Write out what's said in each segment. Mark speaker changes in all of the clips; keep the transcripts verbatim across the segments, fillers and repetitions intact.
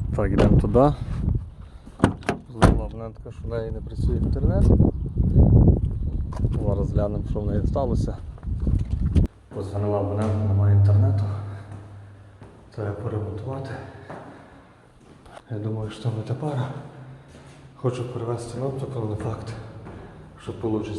Speaker 1: Так, йдемо туди. Знову абонентка, що в неї не працює інтернет. Зараз глянемо, що в неї сталося. Позвонила абонентка, немає інтернету. Треба поремонтувати. Я думаю, що не тепер. Хочу перевести на оптику, але не факт, що вийде.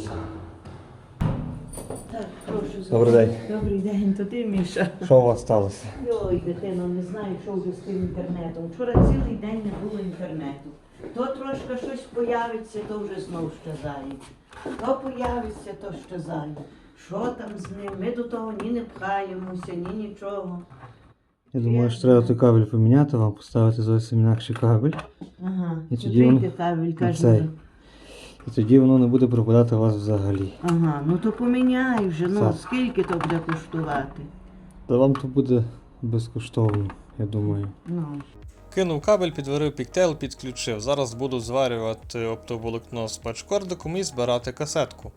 Speaker 2: Так, прошу.
Speaker 1: Добрий день.
Speaker 2: Добрий день, то ти, Міша.
Speaker 1: Що у вас сталося?
Speaker 2: Йой, дитино, не знаю, що вже з тим інтернетом. Вчора цілий день не було інтернету. То трошки щось появиться, то вже знов щезають. То появиться, то щезають. Що там з ним? Ми до того ні не пхаємося, ні нічого.
Speaker 1: Я думаю, що треба той кабель поміняти, вам поставити зовсім інакший кабель.
Speaker 2: Ага,
Speaker 1: І тоді воно-
Speaker 2: кабель,
Speaker 1: цей.
Speaker 2: каже.
Speaker 1: І тоді воно не буде пропадати у вас взагалі.
Speaker 2: Ага, ну то поміняй вже, ну
Speaker 1: Так.
Speaker 2: скільки то буде коштувати?
Speaker 1: Та вам то буде безкоштовно, я думаю.
Speaker 2: Ну.
Speaker 1: Кинув кабель, підварив піктейл, підключив. Зараз буду зварювати оптоволокно з патчкордиком і збирати касетку.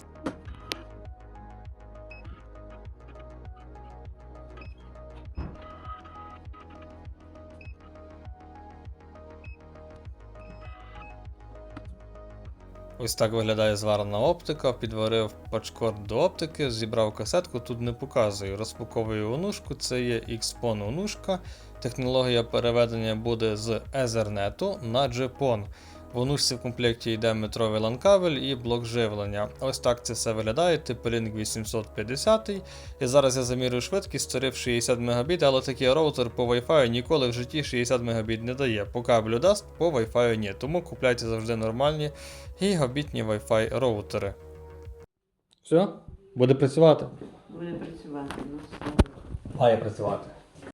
Speaker 1: Ось так виглядає зварена оптика, підварив патчкорд до оптики, зібрав касетку, тут не показую. Розпаковую онушку, це є ікс пон онушка. Технологія переведення буде з Ethernet на джі пон. В онушці в комплекті йде метровий лан-кабель і блок живлення. Ось так це все виглядає, TP-Link вісімсот п'ятдесят. І зараз я замірюю швидкість, створив шістдесят мегабіт, але такий роутер по Wi-Fi ніколи в житті шістдесят мегабіт не дає. По кабелю дасть, по Wi-Fi ні. Тому купляйте завжди нормальні гігабітні Wi-Fi роутери. Все? Буде працювати?
Speaker 2: Буде працювати, ну все.
Speaker 1: Має працювати.